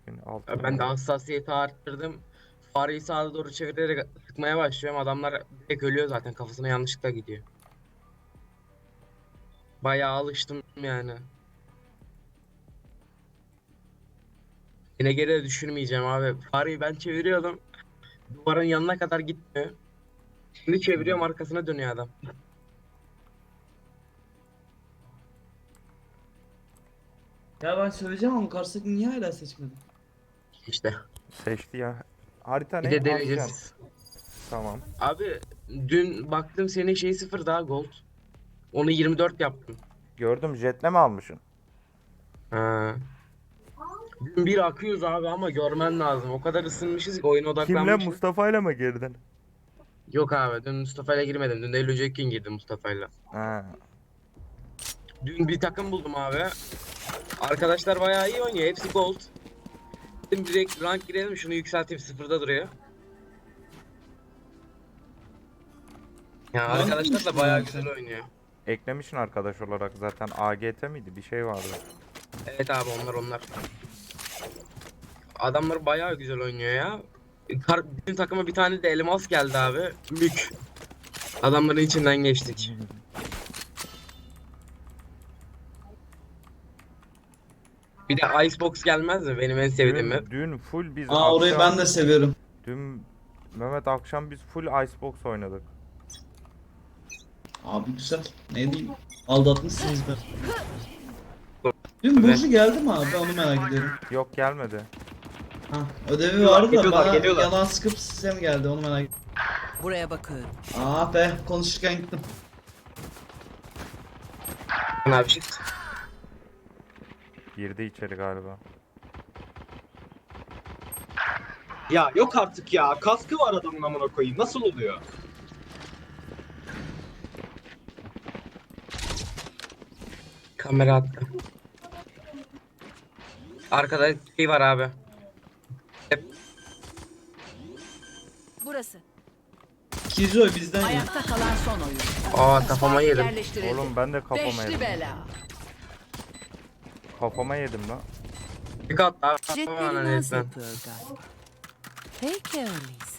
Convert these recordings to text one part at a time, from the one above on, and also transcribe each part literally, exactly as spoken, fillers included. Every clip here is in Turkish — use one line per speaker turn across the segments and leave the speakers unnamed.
gün. altı
Ben de
gün.
hassasiyeti arttırdım. Fareyi sağa doğru çevirerek sıkmaya başlıyorum. Adamlar direkt ölüyor zaten. Kafasına yanlışlıkla gidiyor. Bayağı alıştım yani. Yine geri de düşürmeyeceğim abi. Fareyi ben çeviriyordum. Duvarın yanına kadar gitmiyor. Şimdi çeviriyorum, arkasına dönüyor adam.
Ya ben söyleyeceğim ama karşıdaki niye hala seçmedi?
İşte.
Seçti ya. Harita
Bir
ne?
de
Ascan.
deneyeceğiz.
Tamam.
Abi dün baktım senin şey sıfır daha gold. Onu yirmi dört yaptım.
Gördüm, jetle mi almışsın?
Ha. Dün bir akıyoruz abi ama görmen lazım. O kadar ısınmışız ki oyuna
Kimle?
odaklanmışız.
Mustafa'yla mı girdin?
Yok abi, dün Mustafa'yla girmedim. Dün de Eylül Cekin girdim Mustafa'yla.
Ha.
Dün bir takım buldum abi. Arkadaşlar bayağı iyi oynuyor. Hepsi gold. Dedim direkt rank girelim, şunu yükselteyim, sıfırda duruyor. Ya
Rank
arkadaşlar da
mı
bayağı
düştün
güzel
sen?
oynuyor.
Eklemişsin arkadaş olarak zaten. A G T miydi? Bir şey vardı.
Evet abi, onlar onlar. Adamlar bayağı güzel oynuyor ya. Kar, bizim takıma bir tane de elmas geldi abi. Mük. Adamların içinden geçtik. Bir de Icebox gelmez mi? Benim en sevdiğim map.
Dün, dün full biz
Aa orayı
akşam...
ben de seviyorum.
Dün Mehmet akşam biz full Icebox oynadık.
Abi güzel. Ne diyeyim? Aldatmışsınız be. Dün
Evet.
Burcu geldi mi abi? Onu merak ediyorum.
Yok, gelmedi.
Ha, ödevi vardı da
geliyorlar,
bana
geliyorlar.
yalan sıkıp size mi geldi onu merak ediyorum.
Buraya bakıyorum.
Aa be konuşurken gittim.
Abi shift.
Girdi içeri galiba.
Ya yok artık ya. Kaskı var adamın, amına koyayım. Nasıl oluyor?
Kamera attı. Arkada şey var abi. Hep
Burası.
Kizoy bizden ya.
Ayakta kalan son oyun.
Aa, kafama
Spike
yedim.
yerleştirildi.
Oğlum ben de kafama
Beşli
yedim.
bela.
Kafama yedim lan.
Bir kat daha.
Jetleri
Aman
naz
resmen.
yapıyor galiba. Peki öyleyse.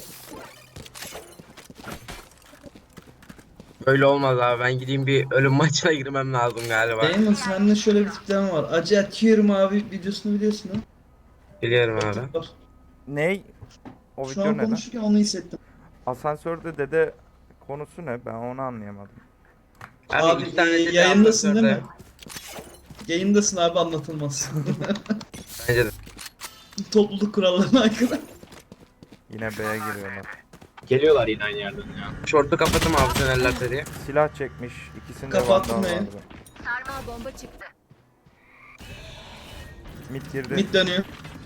Böyle olmaz abi. Ben gideyim bir ölüm maçına girmem lazım galiba.
Damon sende şöyle bir tipleme var. Acı atıyorum abi videosunu biliyorsun ha.
Biliyorum abi.
Var.
Ney? O
Şu
video
an
ne lan?
konuşurken onu hissettim.
Asansörde dede konusu ne? Ben onu anlayamadım.
Abi,
Abi,
iki tane
e,
dedi
yayındasın değil mi?
asansörde.
Yayındasın abi anlatılmaz.
Bence de.
Topluluk kurallarına aykırı.
Yine B'ye giriyorlar.
Geliyorlar yine aynı yerden ya.
Şortu kapattım abi, tünellerse diye.
Silah çekmiş. İkisinde
Kapattın
vandal
mı?
vardı.
Sarmal bomba çıktı.
Mid girdi.
Mid dönüyor.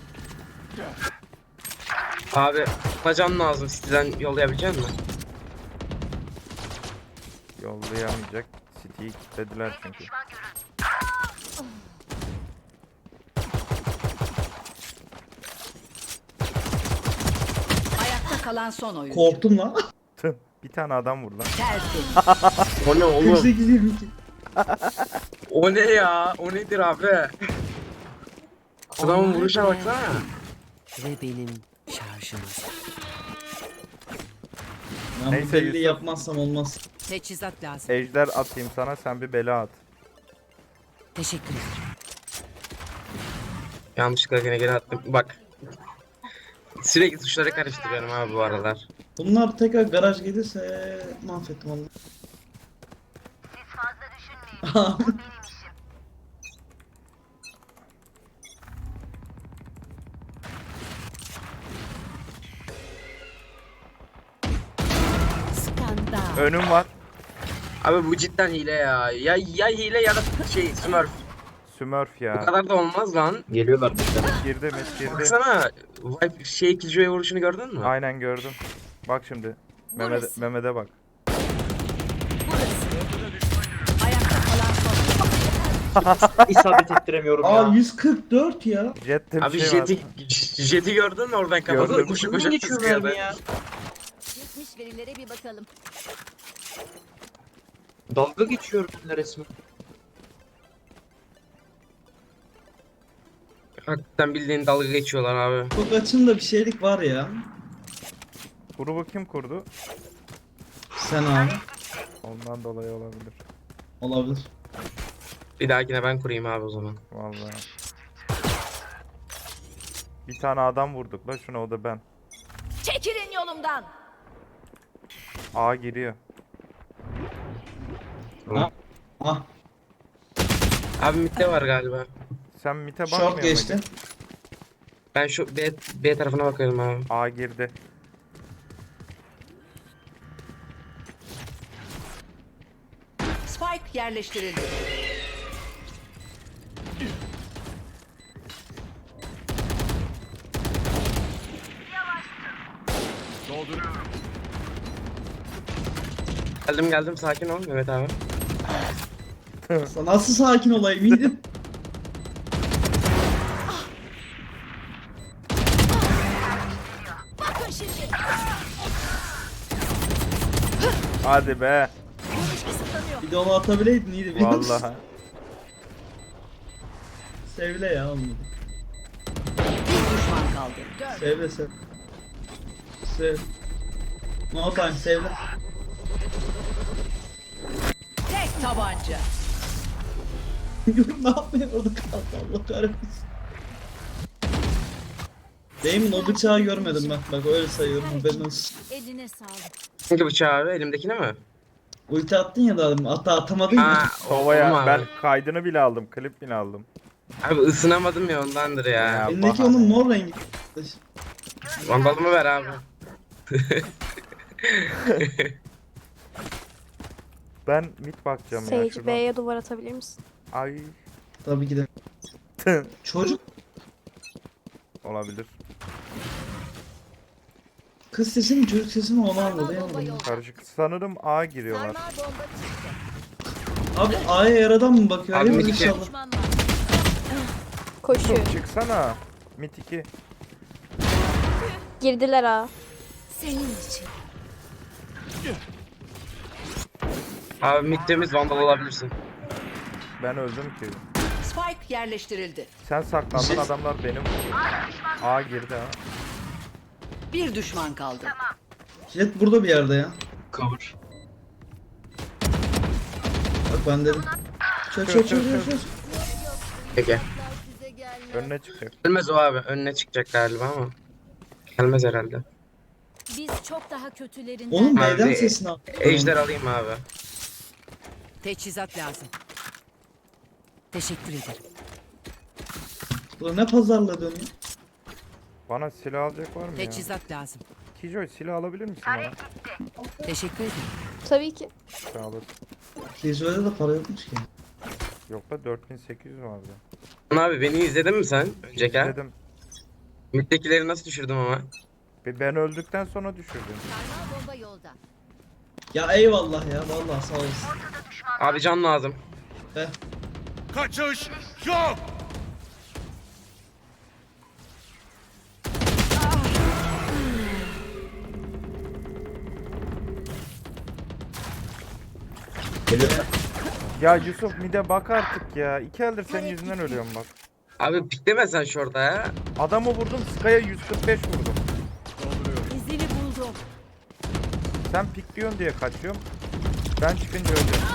Abi tutacağım lazım. City'den yollayabilecek misin?
Yollayamayacak. City'yi kilitlediler çünkü.
Ayakta kalan son oyun.
Korktum lan.
Tüh, bir tane adam vur lan.
Tertemiz.
O ne oğlum?
kırk sekiz yirmi iki.
O ne ya? O nedir abi? Adamın vuruşa baksana.
Ve benim şarjımız.
Ben
Neyse,
bu belli
Yusuf.
yapmazsam olmaz.
Teçhizat lazım.
Ejder atayım sana, sen bir bela at.
Teşekkür ederim.
Yanlışlıkla yine geri attım. Bak. Sürekli tuşları karıştırıyorum abi bu aralar.
Bunlar tekrar garaj gelirse mahvettim onu.
Skandal.
Önüm var.
Abi bu cidden hile ya. Ya ya hile ya da şey smurf.
Smurf
Bu
ya.
kadar da olmaz lan.
Geliyorlar bizden.
Girdi mid girdi.
Baksana. Vibe şey Killjoy'a vuruşunu gördün mü?
Aynen gördüm. Bak şimdi. Mehmet,
Burası.
Mehmet'e bak.
Burası. Ayakta kalan son oyun.
İsabet ettiremiyorum
Aa
ya.
yüz kırk dört ya.
Jet'te bir
Abi
şey
jeti,
var.
jeti gördün mü oradan kafasına
Gördüm.
koşu
Ne
koşu
geçiyor
sıkıyordu.
mermi ya?
Geçmiş verilere bir bakalım.
Dalga geçiyor benimle resmen.
Hakikaten bildiğin dalga geçiyorlar abi.
Çok açımda bir şeylik var ya.
Grubu kim kurdu?
Sen abi.
Ondan dolayı olabilir.
Olabilir.
Bir dahakine ben kurayım abi o zaman.
Vallahi. Bir tane adam vurduk la şuna, o da ben.
Çekilin yolumdan.
A giriyor.
Ah.
Abi midde var galiba.
Sen mite bakmıyor
Short geçti.
muydun?
Ben şu B, B tarafına bakıyorum abi.
A girdi.
Spike yerleştirildi.
Geldim geldim sakin ol Mehmet abi.
Nasıl sakin olayım iyiydim.
Bakın şimdi.
Hadi be.
Görüş kısıtlanıyor.
Bir de onu atabileydin iyiydi. biliyor musun?
Vallahi.
Sevle ya olmadı.
Bir düşman kaldı. Gör.
Sevle sev. Sev. No time sevle.
Tek tabanca.
ne yapmıyor orada kaldı Allah kahretsin. Demin o bıçağı görmedim ben. Bak öyle sayıyorum haberin olsun.
Eline sağlık.
Hangi bıçağı abi? Elimdekine mi?
Ulti attın ya da hatta atamadın ya.
Ha,
Sova'ya
olma
ben
abi.
kaydını bile aldım. Klip bile aldım.
Abi ısınamadım ya ondandır ya.
Ya.
Elindeki
bahane.
onun mor rengi.
Vandalımı ver abi.
Ben mid bakacağım ya
Sage
şuradan.
B'ye duvar atabilir misin?
Ay.
Tabii ki de. Çocuk
Olabilir.
kız sesi mi çocuk sesi mi onu
Sarmal bomba
anlayamadım.
yolda.
Karışık. Sanırım A giriyorlar.
Sarmal bomba çıktı.
Abi A'ya yaradan mı bakıyor?
Abi
Hayır
bir iki.
inşallah.
Düşman var.
Koşuyor.
Çıksana. Mid iki.
Girdiler ha.
Senin için.
Abi midtemiz vandal olabilirsin.
Ben öldüm ki.
Spike yerleştirildi.
Sen saklandın,
Şey-
adamlar benim vurdu. A girdi ha.
Bir düşman kaldı.
Jet burada bir yerde ya.
Cover.
Bak ben dedim. Çöz çöz çöz çöz çöz.
Peki.
Size gelmez.
Önüne çıkacak.
Gelmez o abi. Önüne çıkacak galiba ama. Gelmez herhalde.
Biz çok daha kötülerinden.
Oğlum
Abi,
B'den sesini al.
Ejder alayım abi.
Teçhizat lazım. Teşekkür ederim.
Bu ne pazarla dönüyor?
Bana silah alacak var mı ya?
Teçhizat lazım.
Kijoy silah alabilir misin bana?
Teşekkür ederim.
Tabii ki.
Sağ olasın.
Kizo'da da para yokmuş ki.
Yok da dört bin sekiz yüz vardı.
Lan abi beni izledin mi sen? Önceki ha?
Dedim.
Middekileri nasıl düşürdüm ama?
Ben öldükten sonra düşürdüm.
Sarmal bomba yolda.
Ya eyvallah ya vallahi sağ olasın.
Abi can lazım.
Heh.
Kaçış yok.
Ya Yusuf mide bak artık ya. İki eldir senin yüzünden ölüyorum bak.
Abi pikleme sen şurada ya.
Adamı vurdum, Sky'a yüz kırk beş vurdum.
İzini buldum.
Sen pikliyorsun diye kaçıyorum. Ben çıkınca ölüyorum.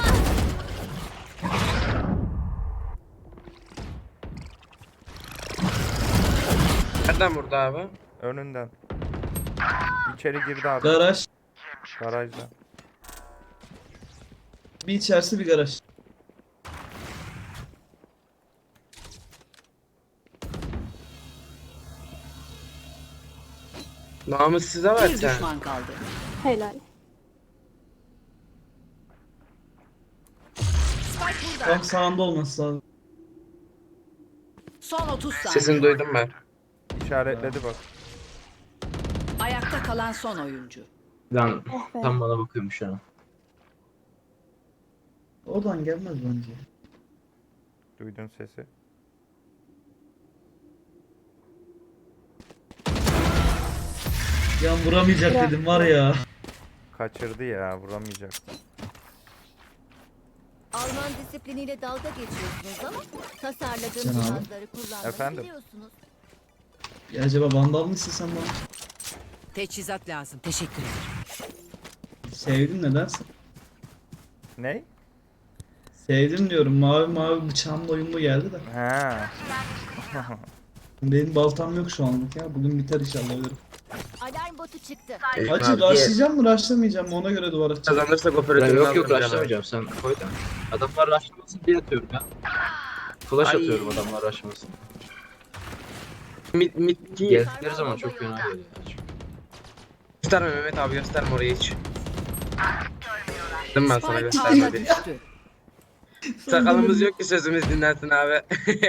Nereden vurdu abi?
Önünden. İçeri girdi abi.
Garaj.
Garajda.
Bir içerisi bir garaj.
Namussuz'a ver
Bir
sen.
düşman kaldı.
Helal.
Spike burada.
Tam sağında olması lazım.
Son otuz saniye.
Sesini duydum ben.
İşaretledi bak.
Ayakta kalan son oyuncu.
Lan
Oh be.
tam bana bakıyormuş şu an.
Oradan gelmez bence.
Duydun sesi.
Ya vuramayacak
Ya.
dedim var ya.
Kaçırdı ya, vuramayacak.
Alman disipliniyle dalga geçiyorsunuz ama tasarladığım
Sen abi.
cihazları kullanmayı
Efendim?
biliyorsunuz.
Ya acaba vandal mı istesen bana?
Teçhizat lazım. Teşekkür ederim.
Sevdim nedense.
Ney?
Sevdim diyorum. Mavi mavi bıçağımla uyumlu geldi de.
He.
Benim baltam yok şu anlık ya. Bugün biter inşallah ölürüm.
Alarm botu çıktı.
Ee,
Hacı
abi,
rushlayacağım mı rushlaymayacağım mı ona göre duvar atacağım.
Kazanırsak operatörü
Yok yok
alırım
rushlamayacağım sen koy da. Adamlar rushlamasın diye atıyorum ya. Flash
Ay.
atıyorum adamlar rushlasın.
Mid, mid ki
Geldikleri zaman çok fena geliyor.
gösterme Mehmet abi, gösterme orayı hiç. Dedim ben sana
Spike
gösterme
ağda
diye.
düştü.
Sakalımız yok ki sözümüz dinlensin abi.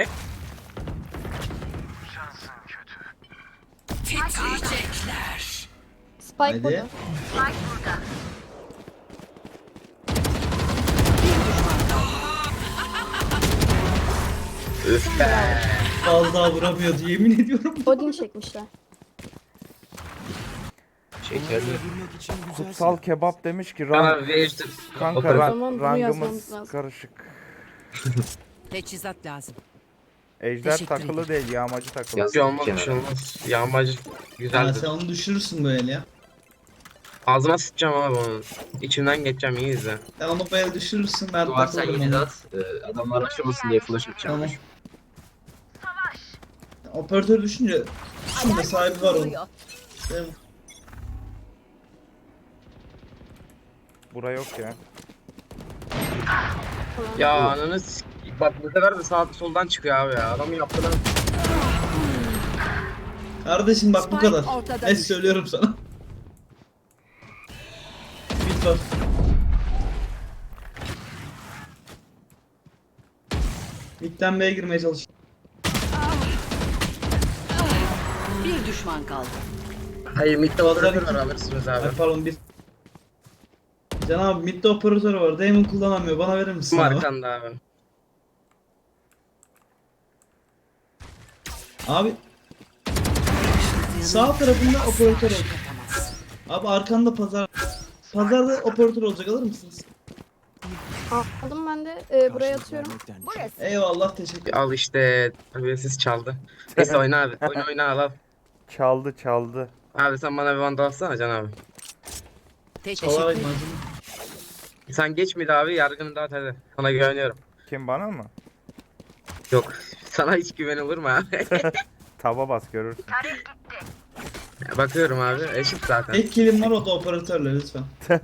Spike
Hadi.
burada.
Üf be.
Az daha vuramıyordu yemin ediyorum.
Odin çekmişler.
Şekerli.
Kutsal kebap demiş ki
Bana
rank,
bir ejder.
kanka
Operatör.
ra-
Tamam, bunu yazmamız
rangımız
lazım.
karışık.
Teçhizat lazım.
Ejder
Teşekkür
takılı değil, yağmacı takılı.
Yaz-
Bir şey olmaz, bir şey olmaz. Yağmacı
Ha,
güzeldir.
sen onu düşürürsün böyle ya.
Ağzıma sıçacağım abi onun. İçimden geçeceğim, iyi izle.
Sen onu böyle düşürürsün ben
Duvar sen
takılırım
yedi
ona.
at. e, Adamlar rushlamasın diye flash atacağım.
Tamam. Operatör düşünce şimdi sahibi var onun.
Vuruyor.
Değil mi?
Bura yok ya.
Ya ananı s- bak bu sefer de sağ soldan çıkıyor abi ya. Adamın yaptığını
Kardeşim bak bu
Spike
kadar.
ortada
Ne
düştü.
söylüyorum sana. Bit var. Mid'den B'ye girmeye çalış.
Bir düşman kaldı.
Hayır, midde operatör var, alırsınız abi.
Ay pardon bir. Can abi mid'de operatör var. Damon kullanamıyor. Bana verir misin
Kim
abi?
arkanda abi?
Abi. Sağ tarafında operatör olacak. Abi arkanda pazar. Pazarda operatör olacak alır mısınız?
Aldım ben de. Ee, buraya atıyorum.
Burası.
Eyvallah teşekkür.
Al işte, terbiyesiz çaldı. Neyse oyna abi, oyna oyna al al.
Çaldı çaldı.
Abi sen bana bir vandal atsana Can abi.
Teşekkür
Çalarım
ederim.
ağzını.
Sen geç miydi abi, yargını dağıt hadi. Sana güveniyorum.
Kim, bana mı?
Yok, sana hiç güven olur mu abi?
Taba bas görürsün.
Bakıyorum abi, eşit zaten.
Tek kilim var o da operatörle lütfen.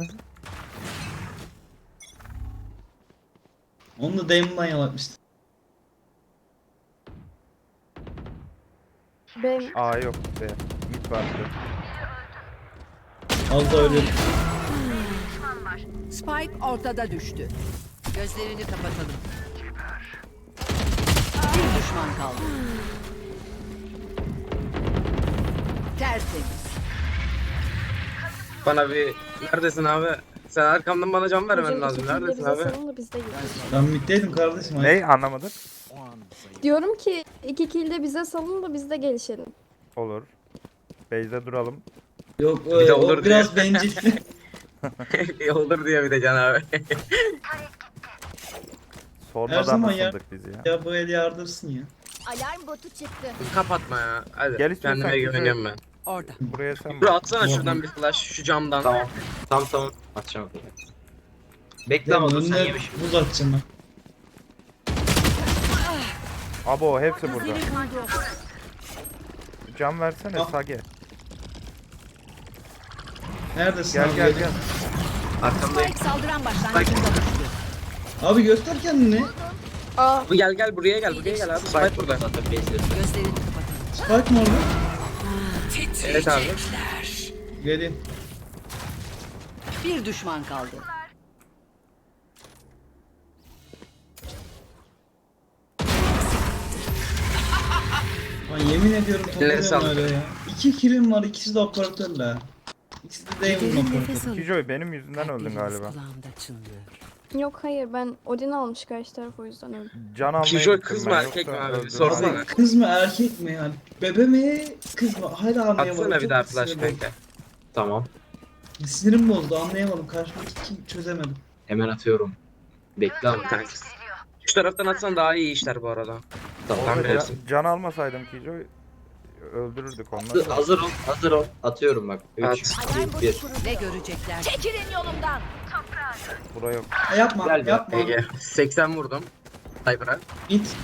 Onu da Damon'dan yalatmıştı.
Ben
A yok be. Mid vardı.
Az da öyle.
Spike ortada düştü. Gözlerini kapatalım. Bir düşman kaldı. Tertemiz.
Bana bir, neredesin abi? Sen arkamdan bana can vermen
hocam
lazım.
iki kilde
Neredesin
bize
abi?
salın da biz de gidelim.
Ben middeydim kardeşim.
Ney, anlamadım.
Diyorum ki iki kilde bize salın da biz de gelişelim.
Olur. Base'de duralım.
Yok
Bir de
e, o
olur
biraz
diye.
bencil.
Olur diye bir de Can abi.
Sonradan
zaman ya.
ısındık biz ya.
Ya bu el yardırsın ya.
Alarm botu çıktı.
Kapatma ya. Hadi.
Gel istiyorsan
Kendime
küfür-
güveniyorum ben.
Orada.
Buraya sen
Dur
bak.
atsana şuradan bir flash şu camdan.
Tamam. Tamam tamam. Atacağım. Bekle
Tamam,
ama dur sen
önüne
yemiş.
buz atacağım ben.
Abo hepsi burada.
İzini buldum.
Cam versene
Ah.
Sage.
Neredesin
Gel
abi?
gel gel.
Arkamdayım.
Spike saldıran başlangıcında düştü.
Abi göster kendini.
Aa
Bu gel gel buraya gel buraya gel abi. Spike burada.
Zaten base'de.
Gözlerini kapatalım.
Spike mı orada?
Evet abi.
Geleyim.
Bir düşman kaldı.
Lan yemin ediyorum
Ellerine
topluyorum
sağlık.
öyle ya. İki kilim var ikisi de operatörle. İkisi de Damon'un operatörü.
Kijoy benim yüzümden öldün galiba.
Kulağımda çınlıyor.
yok hayır ben Odin almış karşı taraf o yüzden öldüm.
Can almaya
Kijoy
gittim
kız
ben,
mı,
yoksa
erkek mi abi? Bir
öldürmem.
sorsana.
Kız mı erkek mi yani? Bebe mi kız mı? Hala anlayamadım.
Atsana bir
Çok
daha flash
sinirim bozdu.
kanka.
Tamam.
Sinirim bozdu anlayamadım. Karşımdaki kim çözemedim.
Hemen atıyorum. Bekle ama.
Kanka. Şu taraftan atsan daha iyi işler bu arada.
Tamam.
Tamam,
Orada
bilirsin.
can, can almasaydım Kijo öldürürdük onları.
Hazır, hazır ol, hazır ol. Atıyorum bak.
At.
üç,
Alarm
iki,
botu
bir.
kuruluyor.
Ne görecekler?
Çekilin yolumdan.
Bura yok.
Ha, yapma
Gel be.
yapma.
Ege. seksen vurdum. Cyber'a.
Git.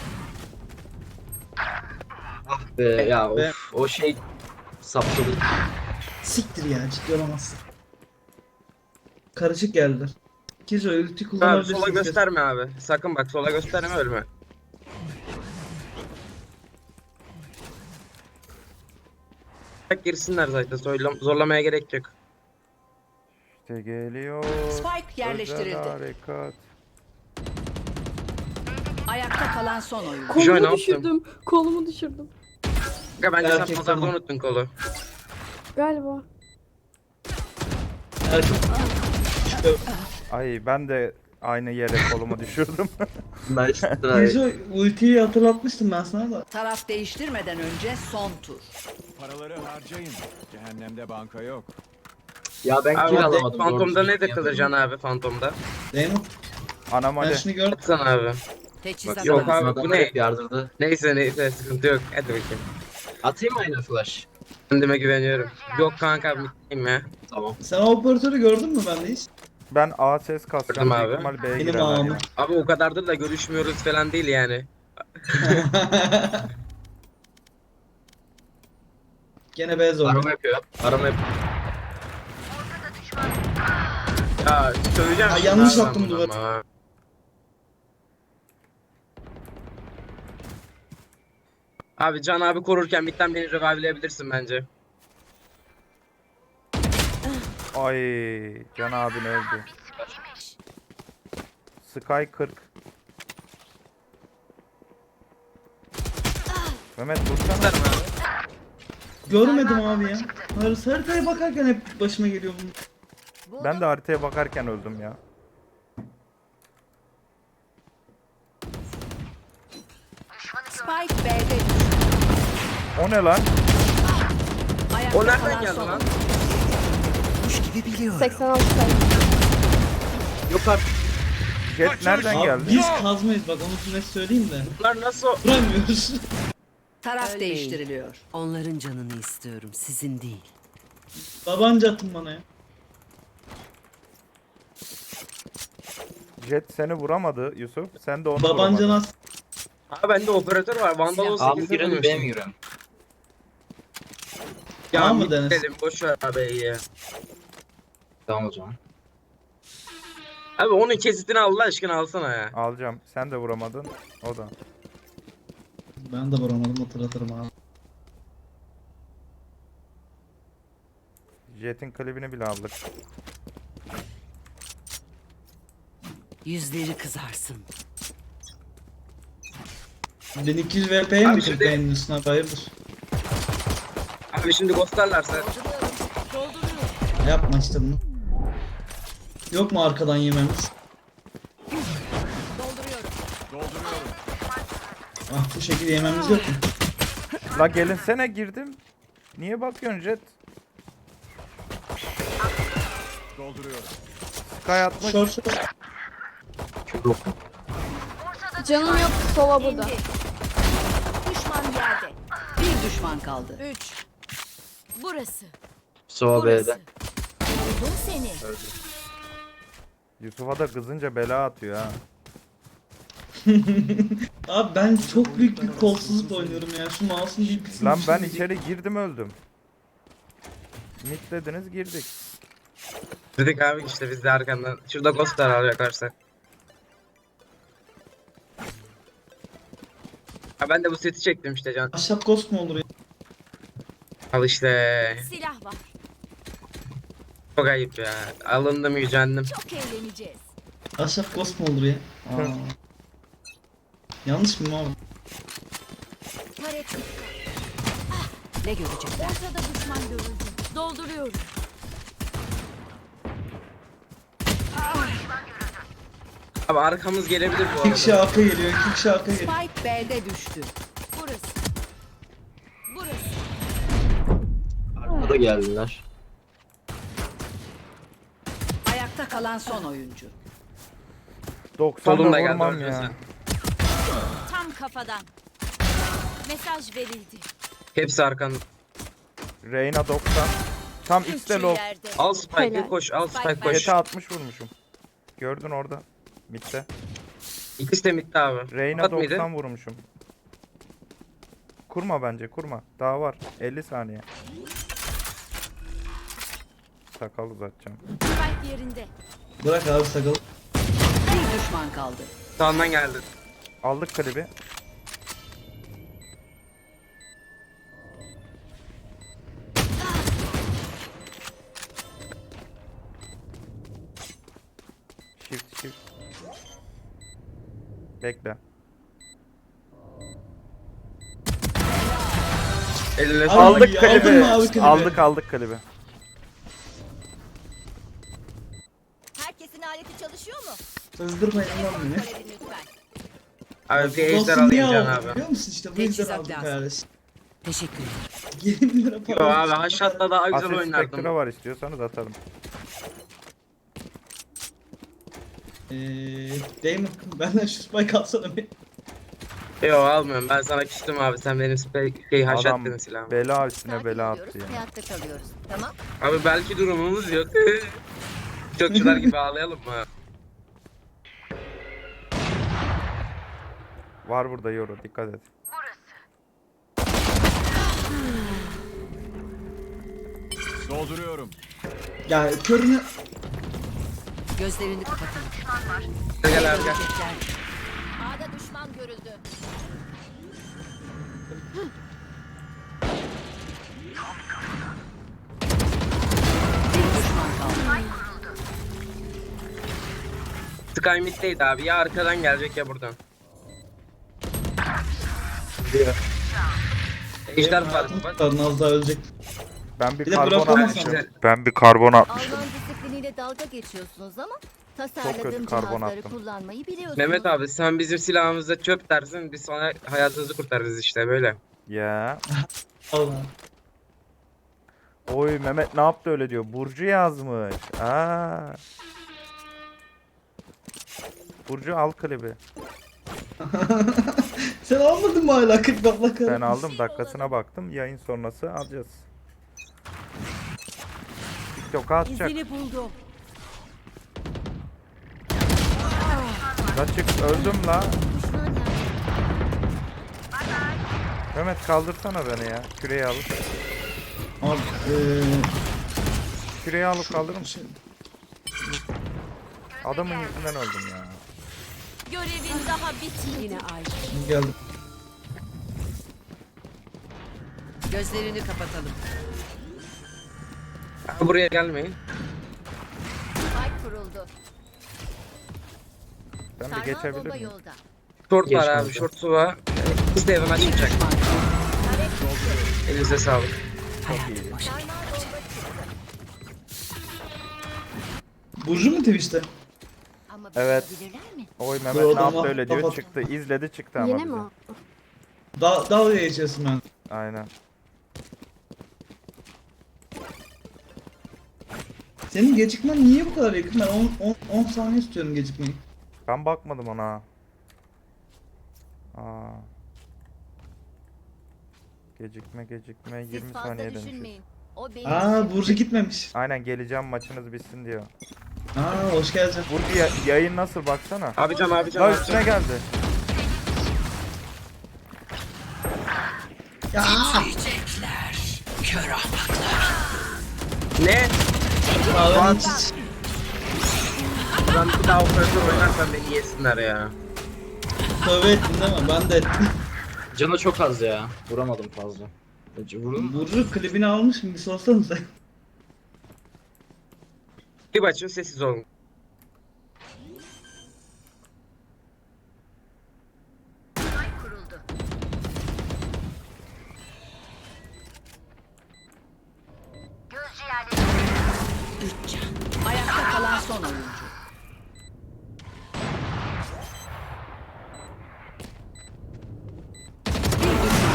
Ah be ya
Be.
of. O şey sapladı.
Siktir ya ciddi olamazsın. Karışık geldiler. Kizo ulti
Abi
kullanabilirsin.
sola gösterme abi. Sakın bak sola gösterme ölme. Bak girsinler zaten zorlam- zorlamaya gerek yok.
İşte geliyor.
Spike yerleştirildi.
Özel harekat.
Ayakta kalan son oyun.
Joy, ne
Kolumu
yaptın?
düşürdüm. Kolumu düşürdüm.
Kanka bence sen
Erkek
pazarda
tamam.
unuttun kolu.
Galiba.
Erkek.
Ay ben de aynı yere kolumu düşürdüm.
Nice try.
Kizo ultiyi hatırlatmıştım ben sana da.
Taraf değiştirmeden önce son tur.
Paraları harcayın. Cehennemde banka yok.
Ya ben
Abi
kill
bak,
alamadım.
Fantom'da
doğru
ne
düzgün
takılır Can abi Fantom'da?
Zeynep
Anam
ben
hadi.
şunu gördüm.
Atsana abi.
Teçhizat
Yok
lazım.
abi, bu
Adamlar
ne?
hep yardırdı.
Neyse neyse sıkıntı yok. Hadi bakayım.
Atayım mı aynı flash?
Kendime güveniyorum. Yok kanka biteyim ya.
Tamam.
Sen o operatörü gördün mü bende hiç?
Ben A ses kasacağım.
Gördüm
Büyük
abi.
ihtimal B'ye
Benim
girerler
ağamı.
ya.
Abi o kadardır da görüşmüyoruz falan değil yani.
Gene beyaz oldu.
Arama yapıyor. Arama yapıyor.
Ya söyleyeceğim.
Ha,
şimdi
yanlış
abi
attım
ben bunu
duvarı.
ama. Abi Can abi korurken bitten beni revive'leyebilirsin bence.
Ay Can abin öldü. Sky kırk. Mehmet vursana.
Tutarım abi.
Görmedim abi ya. Har- Haritaya bakarken hep başıma geliyor bu.
Ben de haritaya bakarken öldüm ya.
Spike B'de düştü.
O ne lan?
Ayakta
O nereden
kalan
geldi
son
lan?
oyun.
seksen altı sayı.
Yok artık.
Jet
Kaçış
nereden
Abi
geldi?
biz kazmayız bak onu net söyleyeyim de.
Bunlar nasıl?
Vuramıyoruz.
Taraf değiştiriliyor.
Onların canını istiyorum, sizin değil.
Tabanca atın bana ya.
Jet seni vuramadı Yusuf. Sen de onu
Babanca
vuramadın.
nasıl?
Abi bende operatör var. Vandal on
A mı
sekiz
girelim B mi girelim?
Ya
A mı
mı
Deniz?
dedim boş ver abi iyi.
Tamam o zaman.
Abi onun kesitini Allah aşkına alsana ya.
Alacağım. Sen de vuramadın. O da.
Ben de vuramadım hatırlatırım abi.
Jet'in klibini bile aldık.
Yüzleri kızarsın.
Ben iki yüz V P'ye
Abi
mi
şimdi-
kırk beğendin üstüne hayırdır?
Abi şimdi ghostlarlarsa.
Yapma işte bunu. Yok mu arkadan yememiz? Ah bu şekilde yememiz yok mu?
La gelinsene girdim. Niye bakıyorsun Jet?
Dolduruyorum.
Sky atmış.
Şor şor.
Yok.
Canım yok. Sola burada.
İndi. Düşman yerde.
Bir düşman kaldı.
Üç. Burası.
Sova
Burası.
B'de.
Buldum seni.
Yusuf'a da kızınca bela atıyor ha.
Abi ben çok büyük bir kolsuzluk oynuyorum ya. Şu mouse'un bir kısmı
Lan ben
düşürecek.
içeri girdim öldüm. Mid dediniz girdik.
Dedik abi işte biz de arkandan. Şurada ghostlar alacak varsa. Ha ben de bu seti çektim işte Can.
Ahşap ghost mu olur ya?
Al işte.
Silah var.
Çok ayıp ya. Alındım yücendim.
Çok eğleneceğiz.
Ahşap ghost mu olur ya? Aa. Yanlış mı abi?
Taret.
Ne görecekler?
Ortada düşman görüldü. Dolduruyorum.
Abi arkamız gelebilir bu
İki kişi
arada.
arka geliyor, iki kişi arka geliyor.
Spike B'de düştü.
Burası. Burası.
Arkada geldiler.
Ayakta kalan son oyuncu.
doksan da
Solum da geldi,
vurmam
öldün
ya.
sen.
Tam kafadan. Mesaj verildi.
Hepsi arkan.
Reyna doksan. Tam X'de
Üçü
low.
yerde.
Al Spike'ı
Helal.
koş, al Spike
Spike
koş.
Jet'e altmış vurmuşum. Gördün orada. Mid'de.
İkisi de midde abi.
Reyna
Kapat mıydı?
doksan vurmuşum. Kurma bence kurma. Daha var. elli saniye. Sakal uzatacağım.
Spike yerinde.
Bırak abi sakal.
Bir düşman kaldı.
Sağından geldi.
Aldık klibi. Shift shift. Bekle.
Eline
Abi,
sağlık.
Aldık
aldın
klibi.
mı abi klibi?
Aldık aldık klibi.
Herkesin aleti çalışıyor mu?
Sızdırmayın lan beni.
Görelim lütfen.
Abi bir ejder
Dostum niye
alayım Can
aldın
abi.
biliyor musun işte bu yüzden
Teçhizat
aldık
lazım.
kardeşim.
Teşekkür ederim.
yirmi lira
Yo
para.
abi haşhatta daha güzel
Asil
oynardım.
Spectre var istiyorsanız atarım.
Eee Damon benden şu spike alsana bir.
Yo almıyorum, ben sana küstüm abi, sen benim spe- şey haşhat
Adam
dedin silahımı.
bela üstüne
Sakin
bela
oluyoruz,
attı ya.
hayatta kalıyoruz. Tamam.
Abi belki durumumuz yok. Çokçular gibi ağlayalım mı?
Var burada Yoro dikkat et.
Dolduruyorum.
Ya körünü
Gözlerini kapatın.
Gel abi gel.
Görecekler.
A'da düşman görüldü.
Bir düşman kaldı.
Sky mid'deydi abi, ya arkadan gelecek ya buradan. Ejder var bak.
az daha ölecek.
Ben bir
Bir de
karbon
bırakamazsın.
atmışım. Ben bir karbon atmışım.
Alman disipliniyle dalga geçiyorsunuz ama
kötü
tasarladığım
karbon
cihazları
attım.
kullanmayı biliyorsunuz.
Mehmet abi sen bizim silahımıza çöp dersin, biz sonra hayatınızı kurtarırız işte böyle.
Ya.
Allah.
Oy Mehmet ne yaptı öyle diyor. Burcu yazmış. Aa. Burcu al klibi.
Sen almadın mı hala kırk Allah kahretsin.
Ben aldım dakikasına baktım. Yayın sonrası alacağız. TikTok'a atacak.
İzini buldum.
Kaçık öldüm la.
Düşman yerde.
Mehmet kaldırsana beni ya. Küreyi alıp.
Abi eee
Küreyi alıp kaldırır mısın?
şey,
Adamın yüzünden öldüm ya.
Görevin daha bitmedi.
Yine ay.
geldim.
Gözlerini kapatalım.
Abi buraya gelmeyin.
Spike kuruldu.
Ben bir
Sarmal
geçebilir
bomba
miyim?
yolda.
Short var
Geç
abi,
kanka.
short su var. Biz de evden
Bir
açmayacak.
düşman kaldı.
Elinize sağlık.
Sarmal bomba çıktı.
Burcu mu Twitch'te?
Ama
Evet.
bilirler mi?
Oy
Dur
Mehmet
o
ne
zaman
yaptı öyle diyor.
kapat.
Çıktı. İzledi çıktı ama
Yine
bize.
mi o?
Da dalga geçiyorsun ben.
Aynen.
Senin gecikmen niye bu kadar yakın? Ben on saniye istiyorum gecikmeyi.
Ben bakmadım ona. Aa. Gecikme gecikme
Siz
yirmi
fazla
saniye demişiz.
düşünmeyin. O benim
Aa
işim.
Burcu gitmemiş.
Aynen geleceğim maçınız bitsin diyor.
Aa hoş geldin.
Burcu ya- yayın nasıl baksana.
Abi can abi can
La
abi
üstüne
can.
geldi.
Ya
Ne?
ağlanın hiç.
Ben bir daha operatör oynarsam beni yesinler ya.
Tövbe ettin değil mi? Ben de ettim.
Canı çok az ya. Vuramadım fazla. Vurdun mu?
Burcu klibini almış mı? Bir sorsana sen.
Bir açın, sessiz olun.
Kuruldu.
Ayakta kalan son oyuncu. Bir düşman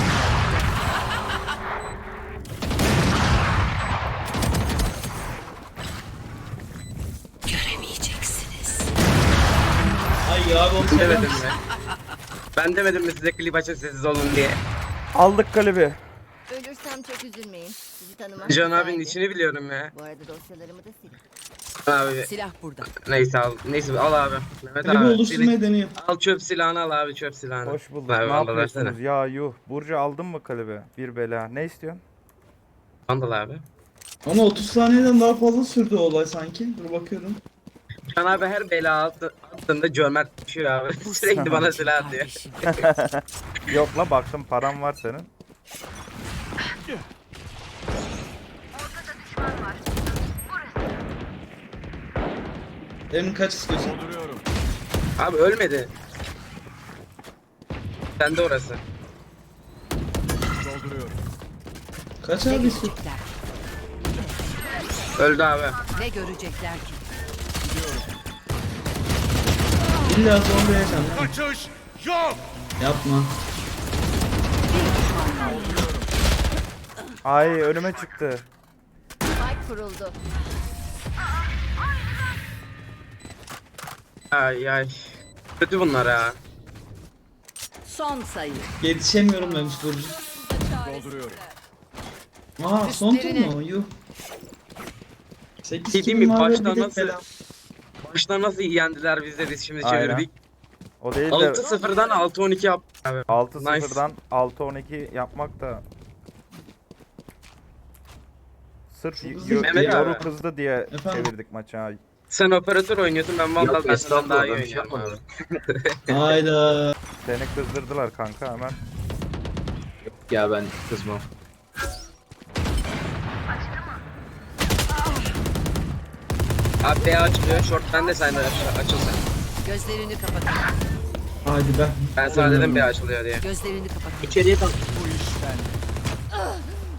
Göremeyeceksiniz.
Ay onu söyler
Demedim
misin?
mi? Ben demedim mi size klip açın sessiz olun diye.
Aldık klibi.
Ölürsem çok üzülmeyin. Sizi tanımam
Can abinin
güzeldi.
içini biliyorum ya.
Bu arada dosyalarımı da silin.
Abi
Silah burada.
neyse al. Neyse al abi. Mehmet
Klibi
abi.
oluşturmaya deniyor.
Al çöp silahını al abi çöp silahını.
Hoş bulduk.
Abi,
Ne
vandal
yapıyorsunuz
versene.
ya yuh. Burcu aldın mı klibi? Bir bela. Ne istiyorsun?
Vandal abi.
Ama otuz saniyeden daha fazla sürdü o olay sanki. Dur bakıyorum.
Can abi her bela altı, altında cömert düşüyor abi. Sürekli bana silah atıyor.
Kardeşim.
Yok la baktım param var senin.
Emin kaç istiyorsun?
Dolduruyorum.
Abi ölmedi. Sen de orası.
Dolduruyorum.
Kaç
Ne
abi istiyorsun?
görecekler?
Öldü abi.
Ne görecekler ki?
İlla zorlayacağım. lan.
Kaçış yok.
Yapma.
Bir düşman kaldı.
Ay önüme çıktı.
Spike kuruldu.
Ay ay. Kötü bunlar ha.
Son sayı.
Yetişemiyorum demiş Burcu.
Dolduruyorum.
Aa son tur
Üstlerine.
mu? Yuh. sekiz
Dediğim gibi
kilim var ve
baştan
bir de
nasıl-
bela.
Baştan nasıl yendiler biz de biz şimdi
Aynen.
çevirdik.
O değil de
altı sıfırdan altı on iki yaptık abi.
altı
Nice.
sıfırdan altı on iki yapmak da sırf y-
Hızlı
yo-
Mehmet
yoru
abi.
kızdı diye
Efendim?
çevirdik maçı. ha.
Sen operatör oynuyorsun ben Vandal
Yok,
ben senden daha iyi
estağfurullah, ben bir şey
oynuyorum abi.
Hayda.
Seni kızdırdılar kanka hemen.
Ya ben kızmam.
Abi B açılıyor. Short bende sen de aç- açıl sen.
Gözlerini kapatın.
Haydi be.
Ben sana dedim B açılıyor diye.
Gözlerini kapatın.
İçeriye kal.
Bu iş bende.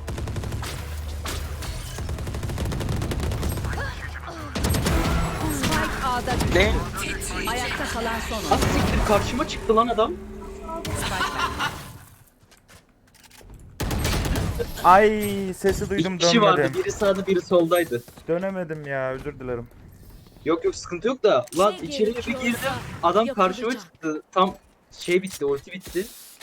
Spike A'da düştü.
Ne?
Ayakta kalan son
Az
oyuncu.
siktir karşıma çıktı lan adam.
Ay sesi
İki
duydum
kişi vardı.
dönmedim.
Biri sağda biri soldaydı.
Dönemedim ya özür dilerim.
Yok yok sıkıntı yok da. Lan içeriye bir girdim. Adam karşıma çıktı. Tam şey bitti, ulti bitti.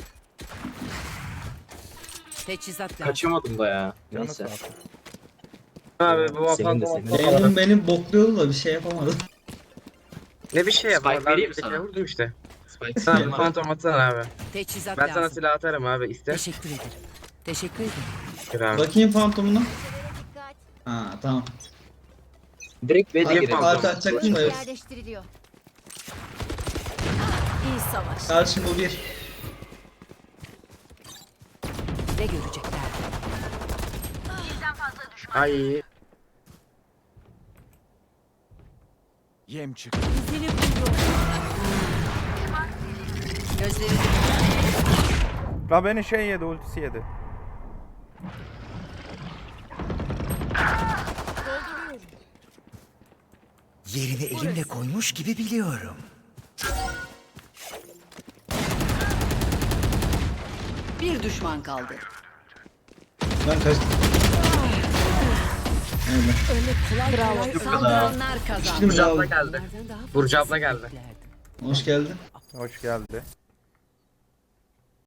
Teçhizat lazım.
Kaçamadım da ya.
Canı
Neyse.
sağ olsun.
Abi bu
Senin de,
Vandal
senin de.
Emin beni bokluyordu da bir şey yapamadım.
ne bir şey
Spike
yapar. Ben
vereyim
bir
sana.
kere vurdum işte.
Spike
Sen
Spike.
Phantom atsana abi.
Teçhizat
Ben sana
lazım.
silah atarım abi iste.
Teşekkür ederim. Teşekkür ederim.
Gir abi.
Bakayım fantomuna.
Dikkat.
Ha tamam.
Direkt B'de
Hadi
girelim.
parti açacaktım da evet.
Yerleştiriliyor.
İyi savaş.
Karşım bu bir.
Ne görecekler?
Ay.
Yem çıktı.
Gözlerini
La beni şey yedi ultisi yedi.
Yerini elimle koymuş gibi biliyorum.
bir düşman kaldı.
Ben kaçtım. Aynen.
Bravo. Saldıranlar kazandı.
Şimdi
Burcu abla
abi.
geldi.
Bunlardan daha
Burcu
fazlası
abla geldi.
beklerdim.
Hoş geldin.
Hoş geldi.